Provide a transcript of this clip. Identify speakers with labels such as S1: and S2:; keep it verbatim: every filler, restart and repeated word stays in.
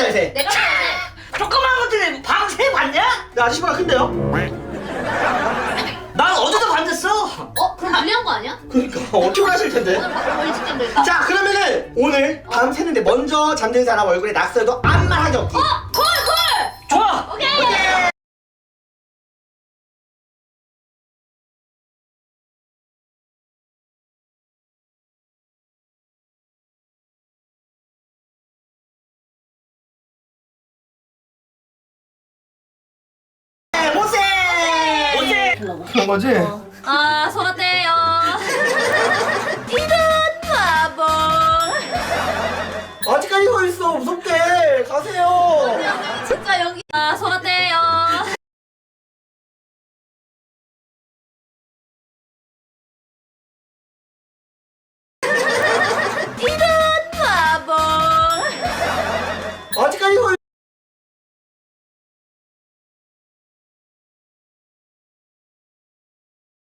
S1: 살 새.
S2: 내가 살
S3: 조그마한 것들이 방새 봤냐?
S1: 나 아저씨보다 큰데요?
S3: 난 어제도 봤댔어.
S2: 어? 그럼 불리한 거 아니야?
S1: 그러니까 어떻게 하실 텐데.
S2: 오늘 바로 멀리 직전 될까?
S1: 자 그러면은 오늘 밤 새는데 먼저 잠든 사람 얼굴에 낙서해도 아무 말 하기 없기.
S2: 어! 콜! 콜!
S3: 좋아.
S2: 오케이!
S1: 네, 모세.
S3: 어제
S1: 그런 거지?
S2: 아, 손 어때요? 이런 바보.
S1: 아직까지 서 있어 무섭게 가세요.
S2: 진짜 여기. 아, 손 어때요?